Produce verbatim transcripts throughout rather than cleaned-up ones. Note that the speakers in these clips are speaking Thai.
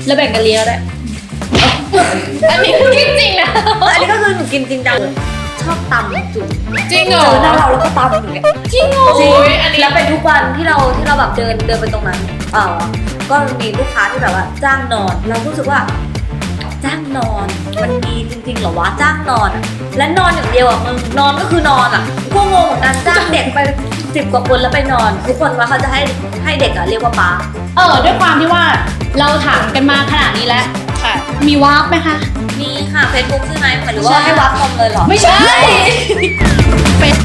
แล้วแบ่งกันเลี้ยงได้อันนี้กินจริงนะอันนี้ก็คือหนูกินจริงจังเลยชอบตำจุ๋มจริงเหรอเจอหน้าเราแล้วก็ตำอย่างเงี้ยจริงเหรอจริงแล้วเป็นทุกวันที่เราที่เราแบบเดินเดินไปตรงนั้นเปล่าก็มีลูกค้าที่แบบว่าจ้างนอนเรารู้สึกว่าจ้างนอนมันมีจริงๆเหรอวะจ้างนอนและนอนอย่างเดียวอ่ะมึงนอนก็คือนอนอ่ะก็งงเหมือนกันจ้างเด็กไปสิบกว่าคนแล้วไปนอนทุกคนว่าเขาจะให้ให้เด็กอ่ะเรียกว่าป๊าเออด้วยความที่ว่าเราถามกันมาขนาดนี้แล้วค่ะมีวาร์ปไหมคะมีค่ะเฟซบุ๊กใช่ไหมหรือว่าให้วาร์ปคอมเลยหรอไม่ใช่เฟซ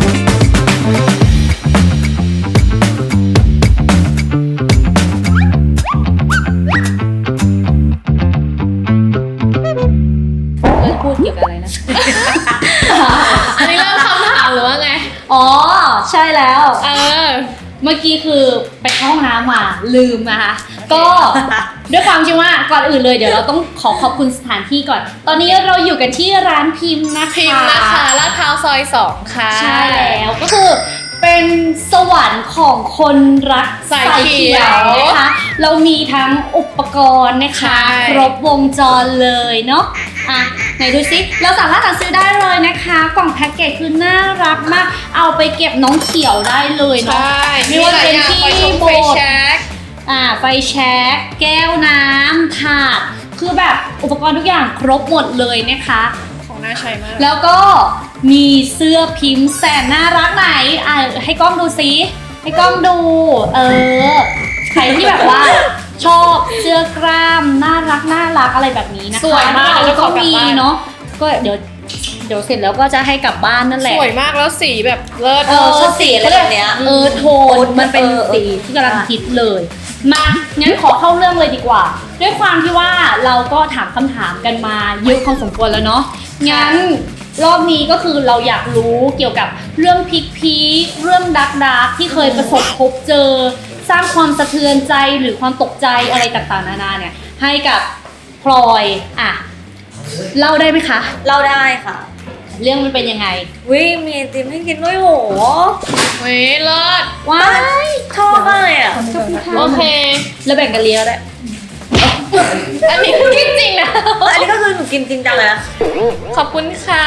พูดเกี่ยวกับอะไรนะ อันนี้เริ่มคำถามหรือว่าไงอ๋อใช่แล้วเออเมื่อกี้คือไปเข้าห้องน้ำมาลืมนะคะก็ด้วยความที่ว่าก่อนอื่นเลยเดี๋ยวเราต้องขอขอบคุณสถานที่ก่อนตอนนี้เราอยู่กันที่ร้านพิมพ์นะคะพิมพ์นะคะลาดพร้าวซอยสองค่ะใช่แล้วก็คือเป็นสวรรค์ของคนรักสายเขียวนะคะเรามีทั้งอุปกรณ์นะคะครบวงจรเลยเนาะอ่ะไหนดูซิเราสามารถสั่งซื้อได้เลยนะคะกล่องแพ็กเกจคือน่ารักมากเอาไปเก็บน้องเขียวได้เลยเนาะไม่ว่าจะเป็นที่โบสถ์อ่าไฟแช็กแก้วน้ำถาดคือแบบอุปกรณ์ทุกอย่างครบหมดเลยนะคะของน่าใช้มากแล้วก็มีเสื้อพิมพ์แสนน่ารักไหนอ่ะให้กล้องดูซิให้กล้องดูเออใครที่แบบว่าชอบเสื้อกล้ามน่ารักน่ารักอะไรแบบนี้นะคะสวยมากแล้วก็มีเนาะก็เดี๋ยวเดี๋ยวเสร็จแล้วก็จะให้กลับบ้านนั่นแหละสวยมากแล้วสีแบบเลิศเออสีอะไรแบบเนี้ยเออโทนมันเป็นสีที่กำลังฮิตเลยมางั้นขอเข้าเรื่องเลยดีกว่าด้วยความที่ว่าเราก็ถามคำถามกันมาเยอะพอสมควรแล้วเนาะงั้นรอบนี้ก็คือเราอยากรู้เกี่ยวกับเรื่องพิกพีคเรื่องดักดักที่เคยประสบพบเจอสร้างความสะเทือนใจหรือความตกใจอะไรต่างๆนานาเนี่ยให้กับพลอยอ่ะเล่าได้ไหมคะเล่าได้ค่ะเรื่องมันเป็นยังไงวิมีไอติมให้กินด้วยโหเว้ยเลิศว้ายชอบมากเลยอ่ะโอเคแล้วแบ่งกันเลี้ยงได้อันนี้กินจริงนะอันนี้ก็คือหนูกินจริงจังเลยนะขอบคุณค่ะ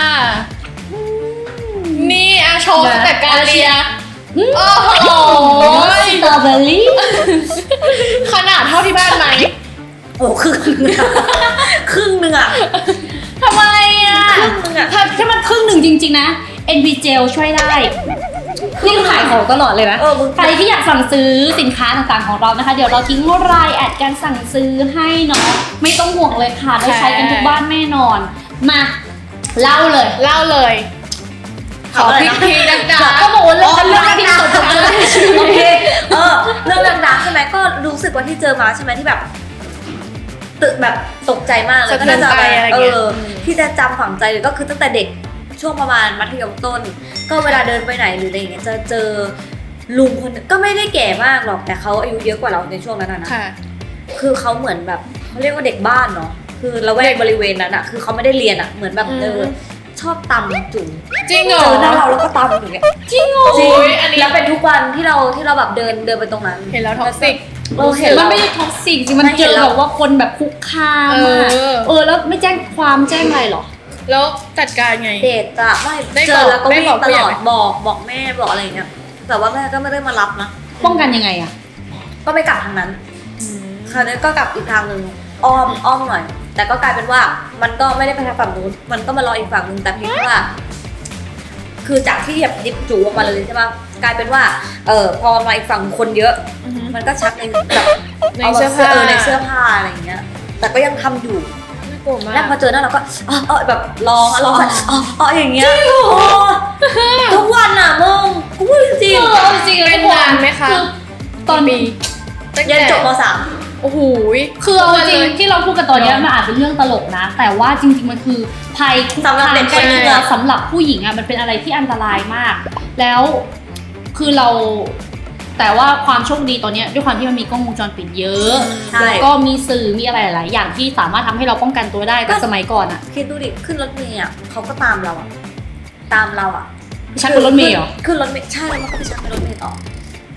นี่อาโชว์แต่การเลียโอ้โหสตรอเบอรี่ขนาดเท่าที่บ้านไหมโอ้ครึ่งนึงอะครึ่งนึงอะทำไมอ่ะครึ่งนึงอะถ้ามันครึ่งหนึ่งจริงๆนะ เอ็น พี Gel ช่วยได้นี่ขายของตลอดเลยนะใครที่อยากสั่งซื้อสินค้าต่างๆของเรานะคะเดี๋ยวเราทิ้งรายแอดการสั่งซื้อให้เนาะไม่ต้องห่วงเลยค่ะได้ใช้กันทุกบ้านแน่นอนมาเล่าเลยเล่าเลยขอพิกพีดังๆก็บอกว่าเรื่องเรื่องที่สุดเลยโอเคเออเรื่องดังๆใช่ไหมก็รู้สึกว่าที่เจอมาใช่ไหมที่แบบตึกแบบตกใจมากเลยก็น่าจะเออที่จะจำฝังใจเลยก็คือตั้งแต่เด็กช่วงประมาณมัธยมต้นก็เวลาเดินไปไหนหรืออะไรอย่างเงี้ยจะเจอลุงคนก็ไม่ได้แก่มากหรอกแต่เขาอายุเยอะกว่าเราในช่วงนั้นนะคือเขาเหมือนแบบเขาเรียกว่าเด็กบ้านเนาะคือละแวกบริเวณนั้นอะคือเขาไม่ได้เรียนอะเหมือนแบบเออชอบตำจุ๋มจริงเหรอเจอหน้าเราแล้วก็ตำอย่างเงี้ยจริงเหรอจริงแล้วเป็นทุกวันที่เราที่เราแบบเดินเดินไปตรงนั้นเห็นแล้วท็อกซิกเออเห็นมันไม่ได้ท็อกซิกจริงมันเจอแบบว่าคนแบบคุกคามอ่ะเออแล้วไม่แจ้งความแจ้งอะไรหรอแล้วจัดการไงเด็กอะไม่เจอแล้วก็วิ่งตลอดบอกบอกแม่บอกอะไรอย่างเงี้ยแต่ว่าแม่ก็ไม่ได้มารับนะป้องกันยังไงอะก็ไม่กลับทางนั้นคราวนี้ก็กลับอีกทางนึงอ้อมอ้อมหน่อยแต่ก็กลายเป็นว่ามันก็ไม่ได้ไปทางฝั่งนู้นมันก็มารออีกฝั่งนึงแต่เพียงว่าคือจากที่แบบดิบจูออกมาเลยใช่ป่ะกลายเป็นว่าเออพอมาอีกฝั่งคนเยอะมันก็ชักในแบบในเสื้อผ้าเออในเสื้อผ้าอะไรอย่างเงี้ยแต่ก็ยังทำอยู่แล้วพอเจอหน้าเราก็อ๋อแบบร้องร้องแบบอ๋ออ๋ออย่างเงี้ยทุกวันอ่ะมึงกูพูดจริงจริงเป็นนานไหมคะตอนปียันจบม.สามโอ้โหคือเอาจริงที่เราพูดกันตอนนี้มันอาจเป็นเรื่องตลกนะแต่ว่าจริงๆมันคือภัยคุกคามใกล้ตัวสำหรับผู้หญิงอ่ะมันเป็นอะไรที่อันตรายมากแล้วคือเราแต่ว่าความโชคดีตอนนี้ด้วยความที่มันมีกล้องวงจรปิดเยอะแล้วก็มีสื่อมีอะไรหลายอย่างที่สามารถทำให้เราป้องกันตัวได้แต่สมัยก่อนอ่ะคิดดูดิขึ้นรถเมล์อ่ะเขาก็ตามเราอ่ะตามเราอ่ะชักบนรถเมล์เหรอขึ้นรถเมล์ใช่แล้วมันก็ไปชักบนรถเมล์ต่อ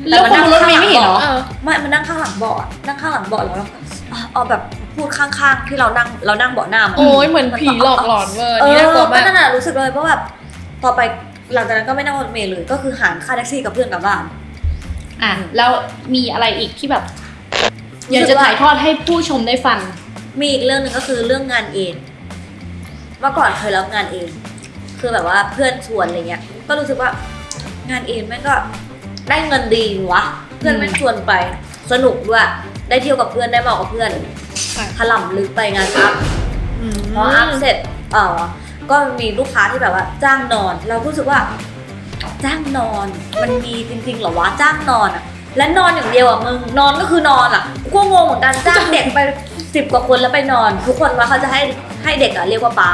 แล้วคนบนรถเมล์ไม่เห็นเหรอไม่มันนั่งข้างหลังเบาะนั่งข้างหลังเบาะแล้วเอาแบบพูดข้างๆที่เรานั่งเรานั่งเบาะหน้ามันโอ้ยเหมือนผีหลอกหลอนเวอร์เอนี่อน่ากลัวก็มากนั่นแหละรู้สึกเลยเพราะแบบต่อไปหลังจากนั้นก็ไม่นั่งรถเมล์เลยก็คือหารค่าแท็กซี่กับเพื่อนกลับบ้านอ่ะแล้วมีอะไรอีกที่แบบอยากจะถ่ายทอดให้ผู้ชมได้ฟังมีอีกเรื่องหนึ่งก็คือเรื่องงานเองเมื่อก่อนเคยรับงานเอง คือแบบว่าเพื่อนชวนอะไรเงี้ยก็รู้สึกว่างานเองแม่งก็ได้เงินดีวะเพื่อนแม่งชวนไปสนุกด้วยได้เที่ยวกับเพื่อนได้เมากับเพื่อนถล่ำลึกไปงานอัพพออัพเสร็จเออก็มีลูกค้าที่แบบว่าจ้างนอน เรารู้สึกว่าจ้างนอนมันมีจริงๆเหรอวะจ้างนอนอ่ะและนอนอย่างเดียวอ่ะมึงนอนก็คือนอนอ่ะกูก็งงเหมือนกันจ้างเด็กไปสิบกว่าคนแล้วไปนอนทุกคนว่าเขาจะให้ให้เด็กอ่ะเรียกว่าป๊าน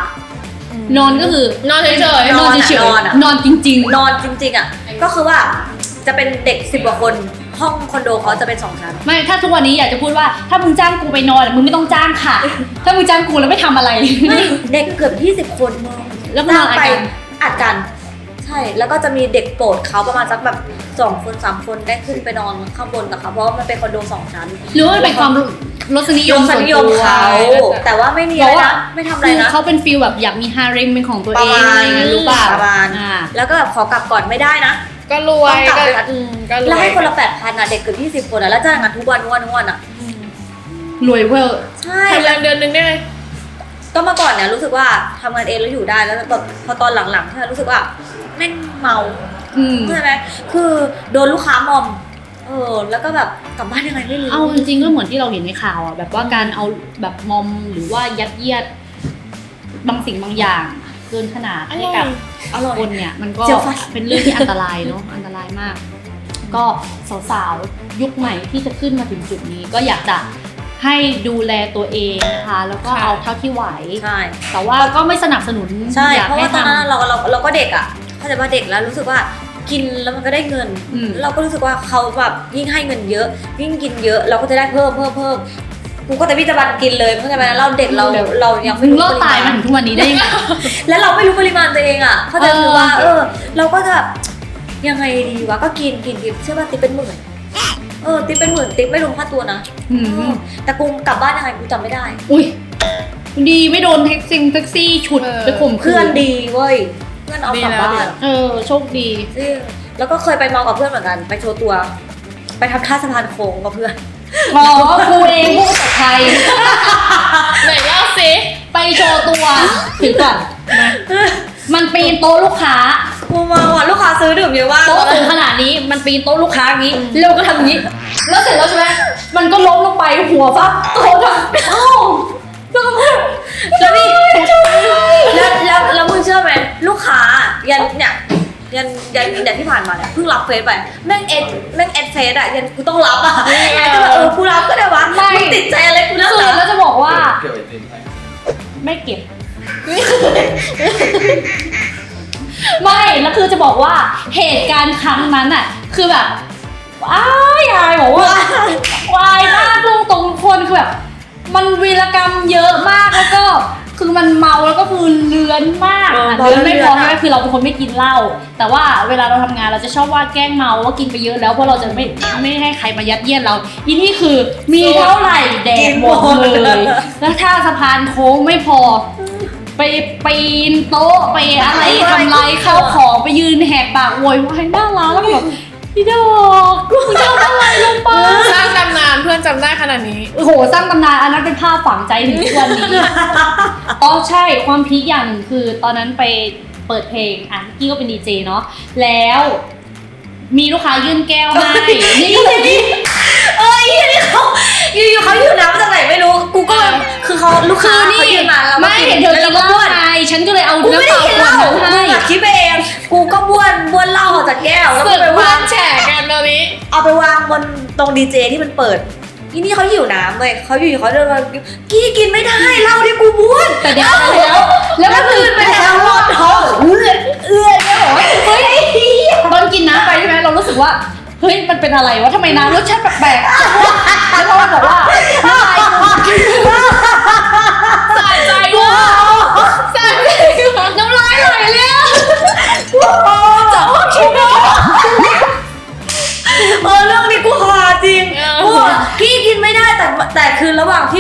อนก็คือนอนเฉยๆนอนเฉยนอนอะๆนอนจริงนอนจริงๆอ่ะก็คือว่าจะเป็นเด็กสิบกว่าคนห้องคอนโดเขาจะเป็นสองชั้นๆไม่ถ้าทุกวันนี้อยากจะพูดว่าถ้ามึงจ้างกูไปนอนอะมึงไม่ต้องจ้างค่ะ ถ้ามึงจ้างกูแล้วไม่ทำอะไรไม่เด็กเกือบยี่สิบคนมึงแล้วมันนอนอัดไปกันอัดกันใช่แล้วก็จะมีเด็กโปรดเขาประมาณสักแบบสองคนสามคนได้ขึ้นไปนอนข้างบนกับเขาเพราะว่ามันเป็นคอนโดสองชั้นหรือว่ามันเป็นความรสนิยยมมส่วนนิยตัมวเขาแต่ว่าไม่มีอะไรนะไม่ทำอะไรคือนะเขาเป็นฟีลแบบอยากมีฮาเร็มเป็นของตัวปเอระงมาอะไรณอย่างนั้นรู้ป่ะประมาณอ่าแล้วก็แบบขอกลับก่อนไม่ได้นะก็รวยต้องกลับก็ไปอืมก็รแล้ววยให้คนละแปดพันอ่ะเด็กเกือบยี่สิบคนอ่ะแล้วจ้างงานทุกวันทุกวันทุกวันอ่ะรวยเวอร์ใช่ทำแรงเดือนนึงได้ไหมก็เมื่อก่อนเนี่ยรู้สึกว่าทำงานเองแล้วอยู่ได้แล้วแบบพอตอนหลังๆที่รู้สึกว่าแม่งเมาอืมใช่ไหมคือโดนลูกค้ามอมเออแล้วก็แบบกลับบ้านยังไงไม่รู้เอาจริงๆก็เหมือนที่เราเห็นในข่าวอ่ะแบบว่าการเอาแบบมอมหรือว่ายัดเยียดบางสิ่งบางอย่างเกินขนาดให้กับอร่อยคนเนี่ยมันก็เจียวฟันเป็นเรื่องที่อันตรายเนาะ อันตรายมาก ก็สาวๆยุคใหม่ที่จะขึ้นมาถึงจุดนี้ ก็อยากจะให้ดูแลตัวเองนะคะแล้วก็เอาเท่าที่ไหวใช่แต่ว่าก็ไม่สนับสนุนใช่อยากเพราะให้ว่าตอนทำนั้นเราเราเราก็เด็กอ่ะเข้าใจว่าเด็กแล้วรู้สึกว่ากินแล้วมันก็ได้เงินอืมเราก็รู้สึกว่าเขาแบบยิ่งให้เงินเยอะ ยิ่งกินเยอะเราก็จะได้เพิ่มเพิ่มเพิ่มกูก็จะวิจารณ์กินเลยเข้าใจไหมเราเด็กเราเรายังไม่มึงรู้รอดตายมาถึงทุกวันนี้ได้ยังไงแล้วเราไม่รู้ปริมาณตัวเองอ่ะเข้าใจคือว่าเอเอออ เราก็จะแบบยังไงดีวะก็กินกินกินเชื่อป่ะติ๊บเป็นหมื่นเออติ๊บเป็นหมื่นติ๊บไม่รวมค่าตัวนะอืมเออแต่กูกลับบ้านยังไงกูจำไม่ได้อุ้ยดีไม่โดนแท็กซี่แท็กซี่ฉุดไปข่มขืเพื่อนดีเว้ยเพื่อนเอากลับบ้านเออโชคดีซึ่งแล้วก็เคยไปเมากับเพื่อนเหมือนกัน ไปโชว์ตัว ไปทำท่าสะพานโค้งกับเพื่อนอ๋อกูเองผู้ประสบภัยไหนเล่าสิไปโชว์ตัวถือก่อนมามันปีนโต๊ะลูกค้ากูเมาอ่ะลูกค้าซื้อดื่มเยอะมากโต๊ะสูงขนาดนี้มันปีนโต๊ะลูกค้าอย่างนี้แล้วก็ทำอย่างนี้ แล้วเสร็จแล้วใช่ไหมมันก็ล้มลงไปหัวฟักโต๊ะทำเอ้าแล้วก็แล้วนี่แล้วแล้วแล้วมึงเชื่อไหมลูกค้ายันเนี่ยยันยันยันที่ผ่านมาเนี่ยเพิ่งรับเฟซไปแม่งเอ็ดแม่งเอ็ดเฟซอะยันกูต้องรับอะแอดก็แบบเออกูรับก็ได้วะมึงติดใจอะไรกูนักคือหนาแล้วจะบอกว่าเก็บไอติมให้ไม่เก็บ ไม่แล้วคือจะบอกว่าเหตุการณ์ครั้งนั้นอ่ะ คือแบบอ้ายอายบอกว่าวายมากลุงตรงคนคือแบบ มันวีรกรรมเยอะมากแล้วก็คือมันเมาแล้วก็คือเลื้อนมากอะเลื้อนไม่พอใช่ไหมคือเราเป็นคนไม่กินเหล้าแต่ว่าเวลาเราทำงานเราจะชอบว่าแกล้งเมาว่ากินไปเยอะแล้วเพราะเราจะไม่ไม่ให้ใครมายัดเยียดเราอีนี่คือมีเท่าไหร่แดกหมดเลยแล้วถ้าสะพานโค้งไม่พอ ไปปีนโต๊ะไปอะไรทำลายข้าวของไปยืนแหกปากโวยวายหน้าร้านแล้วแบบพี่ดอกกูทำอะไรลงไปสร้างตำนานเพื่อนจำได้ขนาดนี้โอ้โหสร้างตำนานอันนั้นเป็นภาพฝังใจถึงทุกวันนี้ อ๋อใช่ความพีคอย่างหนึ่งคือตอนนั้นไปเปิดเพลงอ่ะกี้ก็เป็นดีเจเนาะแล้วมีลูกค้ายื่นแก้วให้นี่เอ้ยนี่เขาอยู่ๆเขาอยู่น้ำจากไหนไม่รู้กูก็แบบคือเขาลูกคืค้าอนี่เขายืนมาแล้วไม่เห็นเธอกินเหล้าไงฉันก็เลยเอากูไม่น้ำได้เปล่ากินขเหวดล้านั้นให้มึงอะคิดไปเองกูก็บ้วนบ้วนเหล้าออกจากแก้วแล้วสึก็กไปเพื่อวางนแฉกันตอนนี้เอาไปวางบนตรงดีเจที่มันเปิดอีนี่เขาหิวน้ำเว้ยเขาอยู่ๆเขาเดินมากี้กินไม่ได้เหล้าที่กูบ้วนแต่เดี๋ยวแล้วแล้วก็คือไปแล้วรอดท้องเอื้อเอื้อแล้วบอกว่าเฮ้ยตอนกินน้ำไปใช่ไหมเรารู้สึกว่าเฮ้ยมันเป็นอะไรวะทำไมน้ำรสชาติแปลกๆแล้วเราบอกว่าน้ำลายกูสะใจว่ะสะใจว่ะน้ำลายไหลเลยอะจะอ้วกชิบะเออ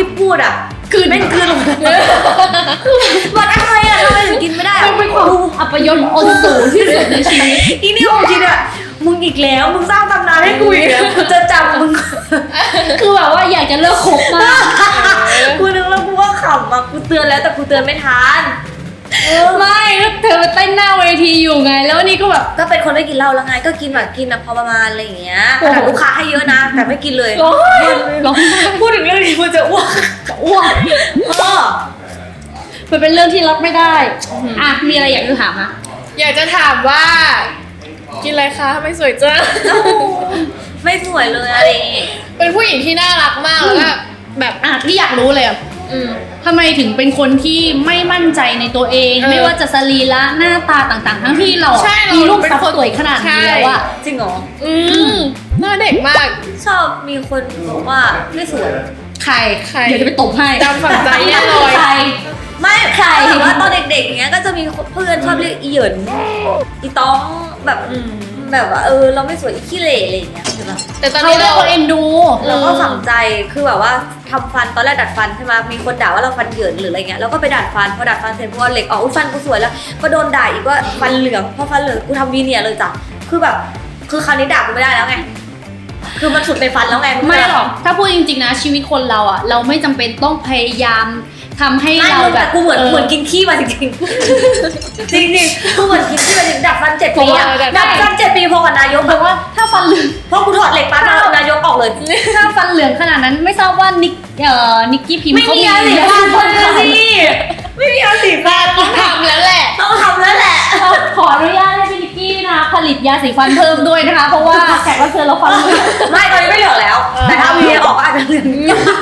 ที่พูดอ่ะคือแม่งคือลงว่าทำไมอ่ะทำไมถึงกินไม่ได้มันเป็นความอัปยศอนสูงที่สุดในชีวิตอีนี่ของจริงอ่ะมึงอีกแล้วมึงสร้างตำนานให้กูอีกแล้วกูจะจำมึงคือแบบว่าอยากจะเลิกคบมากกูนึกแล้วกูก็ขำอ่ะกูเตือนแล้วแต่กูเตือนไม่ทันไม่แล้วเธอไปเต้นหน้าเวทีอยู่ไง แล้วนี่ก็แบบก็เป็นคนไม่กินเหล้าแล้วไงก็กินแบบกินแบบพอประมาณอะไรอย่างเงี้ยโอ้โหแต่ลูกค้าให้เยอะนะแต่ไม่กินเลยร้องไห้ร้องไห้พูดถึงเรื่องนี้กูจะอ้วกจะอ้วกเออมันเป็นเรื่องที่รับไม่ได้อ่ะมีอะไรอยากจะถามนะอยากจะถามว่า กินอะไรคะทำไมสวยจังไม่สวยเลยอะไรอย่างงี้เป็นผู้หญิงที่น่ารักมากแล้วก็แบบอ่ะที่อยากรู้เลยอ่ะอืมทำไมถึงเป็นคนที่ไม่มั่นใจในตัวเองเออไม่ว่าจะสรีระหน้าตาต่างๆ ทั้งที่เราอ่ะใช่เรามีรูปเป็นทรัพคนย์สวยขนาดนี้แล้วอ่ะจริงเหรออืมหน้าเด็กมากชอบมีคนบอกว่าไม่สวยใครใครเดี๋ยวจะไปตบให้จำฝังใจแน่เลยใครไม่ใครแต่ว่าตอนเด็กๆอย่างเงี้ยก็จะมีเพื่อนชอบเรียกอีเหยินอีต้องแบบอืมแบบว่าเออเราไม่สวยอีขี้เหร่อะไรอย่างเงี้ยใช่ปะแต่ตอนเขานี้เรียเรากว่าเอ็นดูเราก็ฝังใจคือแบบว่าทำฟันตอนแรกดัดฟันใช่ไหมมีคนด่าว่าเราฟันเหยินหรืออะไรเงี้ยเราก็ไปดัดฟันพอดัดฟันเสร็จพอเหล็กออกอุ๊ยฟันกูสวยแล้วก็โดนด่าอีกว่าฟันเหลืองพอฟันเหลืองกูทำวีเนียร์เลยจ้ะคือแบบคือคราวนี้ด่ากูไม่ได้แล้วไงคือมันสุดในฟันแล้วไงไม่หรอก ถ้าพูดจริงๆนะชีวิตคนเราอ่ะ เราไม่จำเป็นต้องพยายามทำให้ไม่เรามึงแบแต่บกูเหมือนออเหมือนกินขี้มาจริงๆจริงๆกูเหมือนกินขี้มาจริงดัดฟันเจ็ดปีอะเพราะว่าดัดฟันเจ็ดปีพอกับนายกเพราะว่าถ้าฟันเหลืองเพราะกูถอดเหล็กปั๊บนายกออกเลยถ้าฟันเหลืองขนาดนั้นไม่ทราบว่านิกเอ่อนิกกี้พิมพ์ไม่เขามีมีอาสีฟันเลยสิไม่มีอาสีฟันต้องทำแล้วแหละต้องทำแล้วแหละขออนุญาตให้พี่นิกกี้นะคะผลิตยาสีฟันเพิ่มด้วยนะคะ เพราะว่าแขกรับเชิญเราฟันเหลืองไม่ตอนนี้ไม่เหลืองแล้ว แต่ถ้ามีออกก็อาจจะเหลือง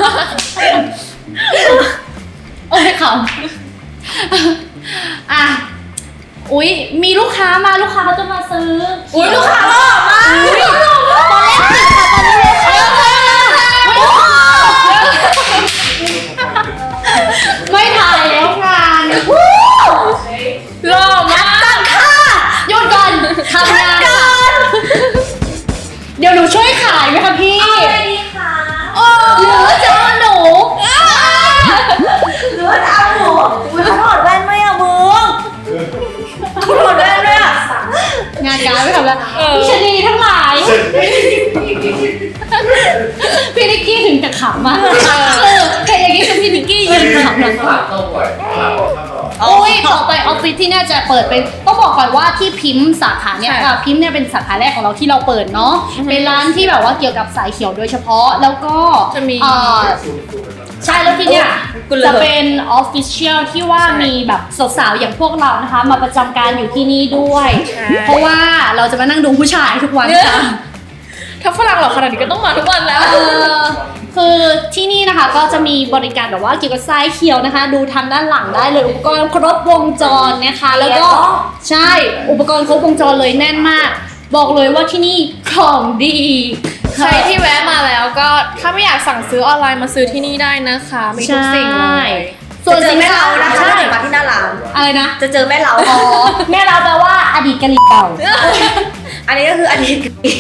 โอ้ยขำอ่ะอุ๊ยมีลูกค้ามาลูกค้าเขาจะมาซื้ออุ้ยลูกค้าหล่อมากอุ๊ยตอนแรกติดค่ะตอนนี้เลยค่ะไม่ถ่ายแล้วงานหล่อมากหยุดก่อนทำงานค่ะเดี๋ยวหนูช่วยขายไหมคะพี่อะไรดีคะหรือว่าจะเอาหนูหรือว่าจะเอาหนูอุ้ยเขาถอดแว่นไหมอะมึงเขาถอดแว่นด้วยอะงานการไม่ทำแล้วเออพี่ชนีทั้งหลายพี่นิกกี้ถึงจะขำมากเออแค่อย่างนี้คือพี่นิกกี้ยืนขำหลังฝรั่งเข้าบ่อยฝรั่งเข้าบ่อยโอ้ยต่อไปออฟฟิศที่เนี่ยจะเปิดเป็นต้องบอกก่อนว่าที่พิมพ์สาขาเนี่ยใช่อ่ะพิมพ์เนี่ยเป็นสาขาแรกของเราที่เราเปิดเนาะเป็นร้านที่แบบว่าเกี่ยวกับสายเขียวโดยเฉพาะแล้วก็จะมีเอ่อใช่แล้วที่เนี่ยกูเลยจะเป็นออฟฟิเชียลที่ว่ามีแบบสาวๆอย่างพวกเรานะคะ มาประจำการอยู่ที่นี่ด้วยใช่เพราะว่าเราจะมานั่งดูผู้ชายทุกวันค่ะถ้าฝรั่งหล่อขนาดนี้ก็ต้องมาทุกวันแล้วเออคือที่นี่นะคะก็จะมีบริการแบบว่าเกี่ยวกับทรายเขียวนะคะ ดูทางด้านหลังได้เลยอุปกรณ์ครบวงจรนะคะ แล้วก็ใช่อุปกรณ์ครบวงจรเลยแน่นมาก บอกเลยว่าที่นี่ของดีใครที่แวะมาแล้วก็ถ้าไม่อยากสั่งซื้อออนไลน์มาซื้อที่นี่ได้นะคะ มีทุกสิ่งเลยส่วนจะเจอสินแม่ค้าเรานะคะใช่ถ้าเกิดมาที่หน้าร้านอะไรนะจะเจอแม่เราอ๋อแม่เราแปลว่าอดีตกะหรี่เก่าอันนี้ก็คืออันนี้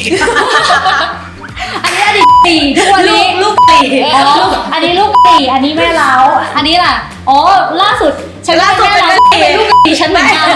อันนี้อดีตตีทุกวันลูนี้กลูกตีอ๋ออันนี้ลูกตีอันนี้แม่เราอันนี้ล่ะอ๋อล่าสุดฉันล่าสุดแม่เป็นเราแม่เป็นลูกตีฉันเหมือนกัน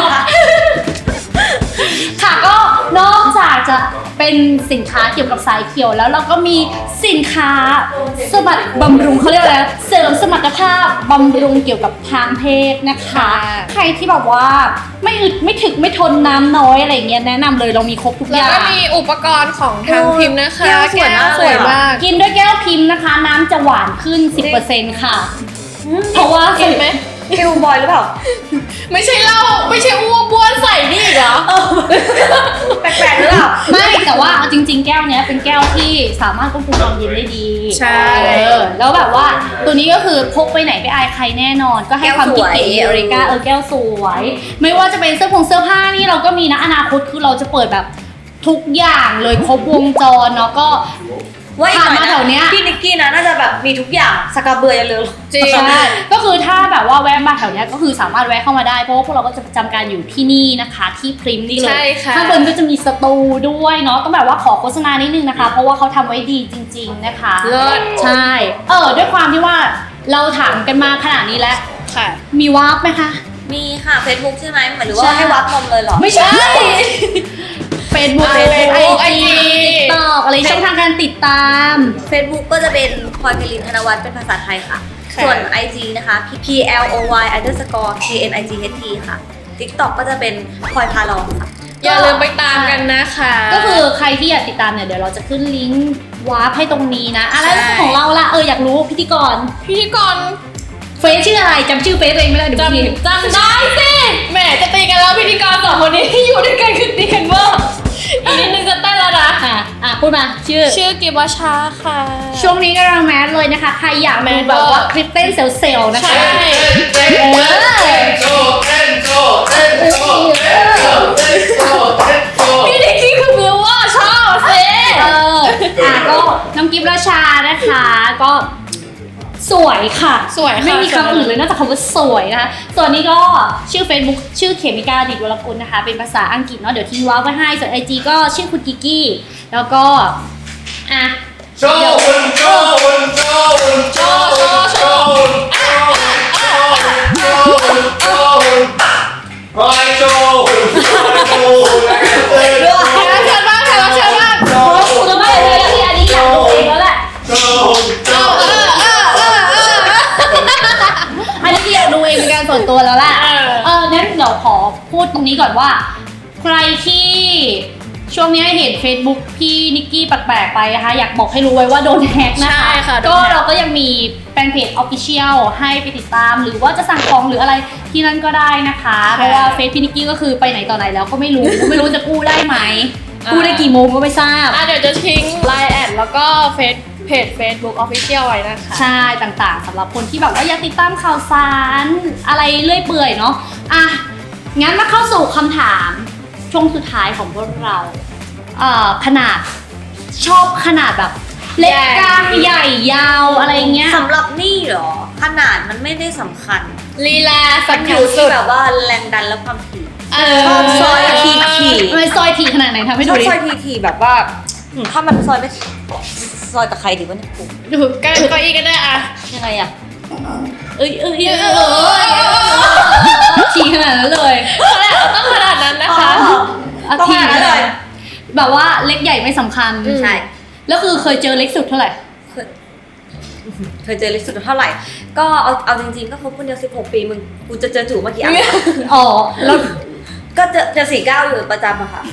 ค่ะก็นอกจากจะเป็นสินค้าเกี่ยวกับสายเขียวแล้วเราก็มีสินค้าสมรรถบำรุงเขาเรียกอะไรนะเสริมสมรรถภาพบำรุงเกี่ยวกับทางเพศนะคะ ใครที่แบบว่าไม่อึดไม่ถึกไม่ทนน้ำน้อยอะไรเงี้ยแนะนำเลยเรามีครบทุกอแล้วย่างก็มีอุปกรณ์ของทางพิมพ์นะคะแก้วสวยมากสวยมากกินด้วยแก้วพิมพ์นะคะ น้ำจะหวานขึ้น สิบเปอร์เซ็นต์ ค่ะ เพราะว่าเห็นไหมคิวบอยหรือเปล่าไม่ใช่เหล้าไม่ใช่อ้วกบ้วนใส่นี่อีกเหรอแปลกๆหรือเปล่าไม่แต่ว่าเอาจริง ๆ แก้วเนี้ยเป็นแก้วที่สามารถควบคุมความเย็นได้ดีใช่เออแล้วแบบว่าตัวนี้ก็คือพกไปไหนไปอายใครแน่นอน ก็ให้ความคิดเก๋แก้วสวยอเรกาเออแก้วสวย ไม่ว่าจะเป็นเสื้อผงเสื้อผ้านี่เราก็มีนะอนาคตคือเราจะเปิดแบบทุกอย่างเลยครบวงจรเนาะก็ว่าอีกหน่อยผ่านมาแถวเนี้ยพี่นิกกี้นะน่าจะแบบมีทุกอย่างสกาเบือยันเลยจริงใช่ก็คือถ้าแบบว่าแวะมาแถวเนี้ยก็คือสามารถแวะเข้ามาได้เพราะว่าพวกเราก็จะประจำการอยู่ที่นี่นะคะที่พริมนี่เลใช่ยค่ะข้างบนก็จะมีสตูด้วยเนาะต้องแบบว่าขอโฆษณานิดนึงนะคะ เพราะว่าเขาทำไว้ดีจริง ๆนะคะเลิศใช่เออด้วยความที่ว่าเราถามกันมาขนาดนี้แล้วค่ะมีวาร์ปไหมคะมีค่ะ Facebook ใช่ไหมหรือว่าใช่ให้วัดนมเลยเหรอไม่ใช่ Facebook อ่า Facebook ไอไอจีจีติ๊กต็อกอะไรช่องทางการติดตาม Facebook ก็จะเป็นพลอยไพลินธนวัฒน์เป็นภาษาไทยค่ะค่ะส่วน ไอ จี นะคะ P L O Y underscore K N I G H T ค่ะ TikTok ก็จะเป็นพลอยพาลองค่ะอย่าลืมไปตามกันนะคะก็คือใครที่อยากติดตามเนี่ยเดี๋ยวเราจะขึ้นลิงก์วาร์ปให้ตรงนี้นะอะไรใช่ของเราล่ะเอออยากรู้พิธีกรพิธีกรเฟซชื่ออะไรจำชื่อเฟซตัวเองไม่ได้เดี๋ยวจพี่ำจำได้สิแหมจะตีกันแล้วพิธีกรสองคนนี้ที่อยู่ด้วยกันคือตีกันเวอร์อีกนิดนึงจะเต้นแล้วนะอ่ะอ่ะพูดมาชื่อชื่อกิบวชาค่ะช่วงนี้กำลังแมสเลยนะคะ ใครอยากแมดูสแบบว่าเวอร์คลิปเต้นเซลล์ๆนะคะใช่เต้นเต้นเต้นโชว์เต้นโชว์เต้นโชว์เต้นโชว์เต้นโชว์เต้นโชว์พี่นิกกี้คือบิวว่าชอบสิเอออ่ะก็น้องกิฟต์ราชานะคะก็สวยค่ะสวยค่ะไม่มีคำอื่นเลยนอกจากคำว่าสวยนะคะ ส่วนนี้ก็ชื่อ Facebook ชื่อเขมิกาดิดวรกุลนะคะ เป็นภาษาอังกฤษเนาะเดี๋ยวทิ้งว้าวไว้ให้ ส่วน ไอ จี ก็ชื่อคุณกิกกี้ แล้วก็ อ่ะโชว์หุ่นโชว์หุ่นโชว์หุ่นโชว์หุ่นโชว์หุ่นโชว์หุ่นโชว์หุ่นโชว์หุ่นพลอยโชว์หุ่นพลอยโชว์หุ่นแล้วก็เต้นแขกรับเชิญบ้างแขกรับเชิญบ้างโชว์หุ่นคุณไม่เลยที่อันนี้อยากดูเองแล้วแหละโชว์หุ่นโชว์เอหุ่นอเออเออเอออันนี้อยากดูเองเป็นการส่วนตัวแล้วแหละเออเอองั้นเดี๋ยวขอพูดตรงนี้ก่อนว่า ใครที่ช่วงนี้เห็น Facebook พี่นิกกี้แปลกๆไปนะคะ อยากบอกให้รู้ไว้ว่าโดนแฮกนะคะใช่ค่ะโดก็นแฮ็กเราก็ยังมีแฟนเพจ Official ให้ไปติดตาม หรือว่าจะสั่งของหรืออะไรที่นั่นก็ได้นะคะ เพราะว่าเฟซพี่นิกกี้ก็คือไปไหนต่อไหนแล้วก็ไม่รู้ ไม่รู้จะกู้ได้ไหม กู้ได้กี่โมงก็ไม่ทราบอ่ะเดี๋ยวจะทิ้งไลน์แอดแล้วก็เฟซเพจ Facebook Official ไว้นะคะใช่ต่างๆสำหรับคนที่แบบว่าอยากติดตามข่าวสารอะไรเรื่อยเปื่อยเนาะอ่ะงั้นมาเข้าสู่คำถามช่วงสุดท้ายของพวกเราเอ่อขนาดชอบขนาดแบบเล็กใหญ่กลางใหญ่ยาวอะไรเงี้ยสำหรับนี่เหรอ ขนาดมันไม่ได้สำคัญลีลามัสันกออยู่ยู่สุที่ดแบบว่าแรงดันและความถี่เอชอบซอยทีถี่ทำไมซอยทีขนาดไหนทำให้ชดูอบดิซอยทีถี่แบบว่าอืมถ้ามันซอยไม่ซอยกับใครดีวะเนี่ยปุ๊บดูใกล้เก้าอี้ก็ได้อะยังไงอะเอ้ยเอ้ยเอ้ยเอ้ยทีขนาดนั้นเลยต้องขนาดนั้นนะคะอ่ะต้องทีขนาดนั้นเลยแบบว่าเล็กใหญ่ไม่สำคัญอืมใช่แล้วคือเคยเจอเล็กสุดเท่าไหร่เคยเคยเจอเล็กสุดเท่าไหร่ ก็เอาเอาจริงๆก็คบคนเดียวสิบหกปีมึงกูจะเจอจู่เมื่อกี้อ่ะอ๋อแล้วก็เจอเจอสี่เก้าอยู่ประจำอะค่ะ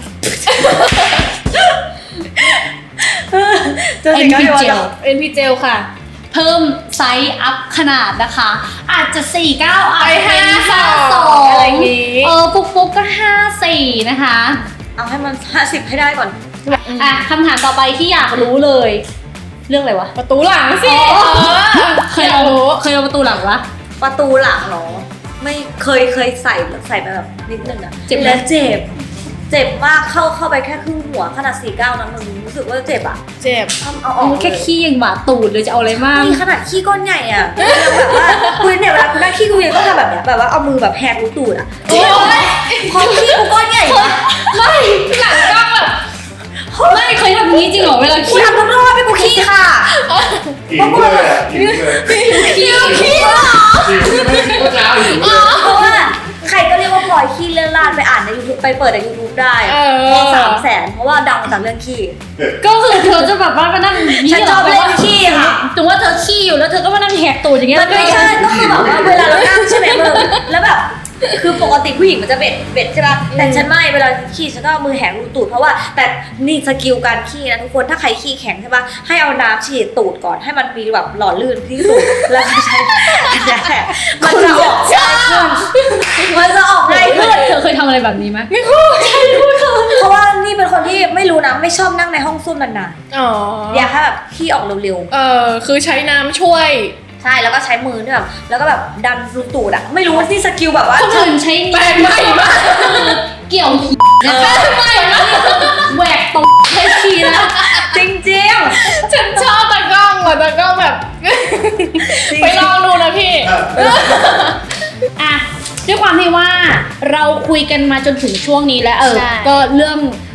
เจอเอ็นสี่เก้าพีอยู่ประเจจลเอ็นพีเจลค่ะเพิ่มไซส์อัพขนาดนะคะ อาจจะสี่เก้าอาจไปจะเป็นห้าห้าสสออง งอะไรอย่างงี้เออฟุกฟุกก็ห้าสี่นะคะำเอาให้มันห้าสิบให้ได้ก่อนอ่ะคำถามต่อไปที่อยากรู้เลย เรื่องอะไรวะประตูหลังสิอ๋อเออเคยอยาเอากรู้เคยเอาประตูหลังวะประตูหลังเหรอ ไม่เคยเคยใส่ใส่ไปแบบนิดนึงอะเจ็บไหมแล้วเจ็บ เจ็บมากเข้าเข้าไปแค่ครึ่งหัวขนาดสี่เก้านะมึงรู้สึกว่าเจ็บอะเจ็บทำเอาอเอาอกแค่ขี้ยังบาดตูดเลยจะเอาอะไรมากนี่ขนาดขี้ก้อนใหญ่อะแบบว่าคุยเนี่ยเวลาคุณนั่งขี้กูยังต้องทำแบบเนี้ยแบบว่าเอามือแบบแหกรูตูดอะโอ๊ยพอขี้กูก้อนใหญ่อะไม่หลังกล้องแบบไม่เคยทำอย่างนี้จริงเหรอเวลากูขี้ทำทุกรอบให้กูขี้ค่ะหิวเลยอ่ะหิวเลยขี้ขี้เหรอหิวไม่ได้เมื่อเช้าหิวเลยเพราะว่าใครก็เรียกว่าพลอยขี้เลื่อนลาดไปอ่านใน YouTube ไปเปิดใน YouTube ได้เออพอสามแสนเพราะว่าดังมาจากเรื่องขี้ก็คือเธอจะแบบว่ามานั่งอย่างฉันชอบเล่นขี้ค่ะถึงว่าเธอขี้อยู่แล้วเธอก็มานั่งแหกตูดอย่างเงี้ยมันไม่ใช่ก็คือแบบว่าเวลาเรานั่งใช่ไหมมึงแล้วแบบคือปกติผู้หญิงมันจะเบ็ดเบ็ดใช่ป่ะแต่ฉันไม่เวลาขี้ฉันก็เอามือแหกรูตูดเพราะว่าแต่นี่สกิลการขี้นะทุกคนถ้าใครขี้แข็งใช่ป่ะให้เอาน้ำฉีดตูดก่อนให้มันมีแบบหล่อลื่นที่สุดแล้วก็ใช้อันเนี้ยแหละมันจะออกง่ายขึ้นมันจะออกง่ายขึ้นเธอเคยทำอะไรแบบนี้ไหมไม่คู่เพราะว่านี่เป็นคนที่ไม่รู้นะไม่ชอบนั่งในห้องส้วมนานอ๋อๆอยากให้แบบขี้ออกเร็วเออคือใช้น้ำช่วยๆใช่แล้วก็ใช้มือด้วยแบบแล้วก็แบบดันรูตูดอะไม่รู้ว่าที่สกิลแบบว่าคนอื่นใช้แปลกใหม่มากเกี่ยวขี้นะคะไม่นะแหวกตรงใช้ขี้นะจริงๆฉันชอบตากล้องอ่ะตากล้องแบบ ไปลองดูนะพี่อ่ะด้วยความที่ว่าเราคุยกันมาจนถึงช่วงนี้แล้วเออใช่ก็เรื่อง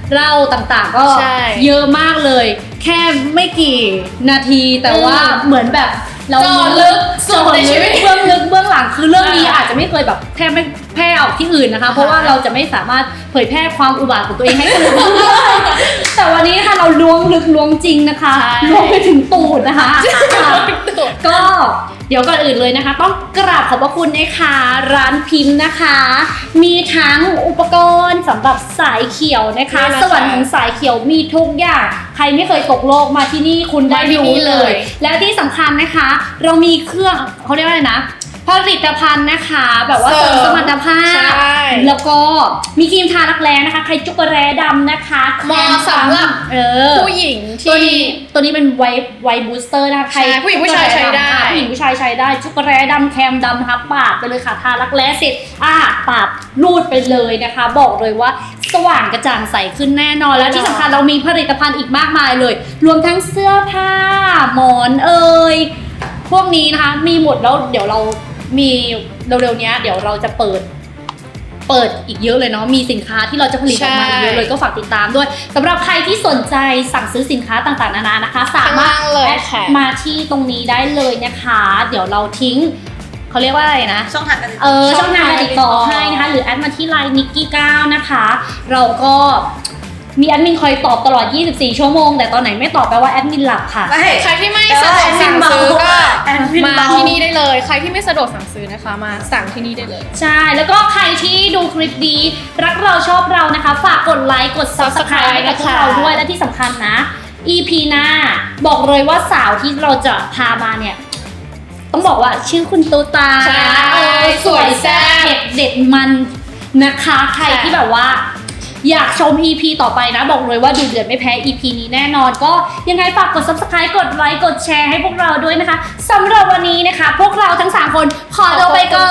เล่าต่างๆ ก็ใช่เยอะมากเลย แค่ไม่กี่นาทีแต่ว่าอืมเหมือนแบบเราเจาะลึกสุดในชีวิตเบื้องลึกเบื้องหลังคือเรื่องนี้อ่าอาจจะไม่เคยแบบแพร่ไม่แพร่ออกที่อื่นนะคะ เพราะว่าเราจะไม่สามารถเผยแพร่ความอุบาทของตัวเองให้คนอื่นรู้ได้แต่วันนี้ค่ะเราล้วงลึกล้วงจริงนะคะใช่ล้วงไปถึงตูดนะคะค่ะก็เดี๋ยวก่อนอื่นเลยนะคะ ต้องกราบขอบพระคุณนะคะร้านพิมพ์นะคะ มีทั้งอุปกรณ์สำหรับสายเขียวนะคะนี่นะคะสวรรค์ของสายเขียวมีทุกอย่างใครไม่เคยตกโลกมาที่นี่คุณได้มาที่รู้นี่เลเลย ยและที่สำคัญนะคะ เรามีเครื่องเขาเรียกว่าอะไรนะผลิตภัณฑ์นะคะ แบบว่าเสริมสมรรถภาใชพ่แล้วก็มีครีมทารักแร้นะคะใครจุกแร้ดำนะคะเหมาะสำหรับเออผู้หญิงตัวที่นี้ตัวนี้เป็นไวท์ไวท์บูสเตอร์นะคะใครใช่ผู้หญิงผู้ชายใช้ได้อ่ะผู้หญิงผู้ชายใช้ได้จุกแร้ดำแคมดำนะคะปาดไปเลยค่ะทารักแร้เสร็จอ่ะปาดรูดไปเลยนะคะ บอกเลยว่าสว่างกระจ่างใสขึ้นแน่นอนแล้วที่สำคัญเรามีผลิตภัณฑ์อีกมากมายเลย รวมทั้งเสื้อผ้าหมอนเอ่ยพวกนี้นะคะมีหมดแล้วเดี๋ยวเรามีเร็วๆเนี้ยเดี๋ยวเราจะเปิด เปิดอีกเยอะเลยเนาะ มีสินค้าที่เราจะผลิตออกมาอีกเยอะเลยก็ฝากติดตามด้วยสำหรับใครที่สนใจสั่งซื้อสินค้าต่างๆนานานะคะ สามารถข้างล่างเลยแอดค่ะมาที่ตรงนี้ได้เลยนะคะ เดี๋ยวเราทิ้งเขาเรียกว่าอะไรนะช่องทางการติดเอต่ออช่องทางการติดต่อช่องทางให้นะคะ หรือแอดมาที่ไลน์นิกกี้เก้านะคะ เราก็มีแอดมินคอยตอบตลอดยี่สิบสี่ชั่วโมง แต่ตอนไหนไม่ตอบแปลว่าแอดมินหลับค่ะไม่ใครที่ไม่สะดวกสั่งซื้อก็แอดมินมาเบาที่นี่ได้เลย ใครที่ไม่สะดวกสั่งซื้อนะคะ มาสั่งที่นี่ได้เลยใช่ แล้วก็ใครที่ดูคลิปดีรักเราชอบเรานะคะ ฝากกดไลค์กด Subscribe ให้กับพวกเราด้วยและที่สำคัญนะ อี พี หน้าบอกเลยว่าสาวที่เราจะพามาเนี่ย ต้องบอกว่าชื่อคุณตูตาใช่เออสวยแซ่บเผ็ดเด็ดมันนะคะ ใครที่แบบว่า อยากชม อี พี ต่อไปนะ บอกเลยว่าดูเดือดไม่แพ้ อี พี นี้แน่นอนก็ยังไงฝากกด Subscribe กดไลค์กดแชร์ให้พวกเราด้วยนะคะสำหรับวันนี้นะคะ พวกเราทั้งสามคนขอตัวไปก่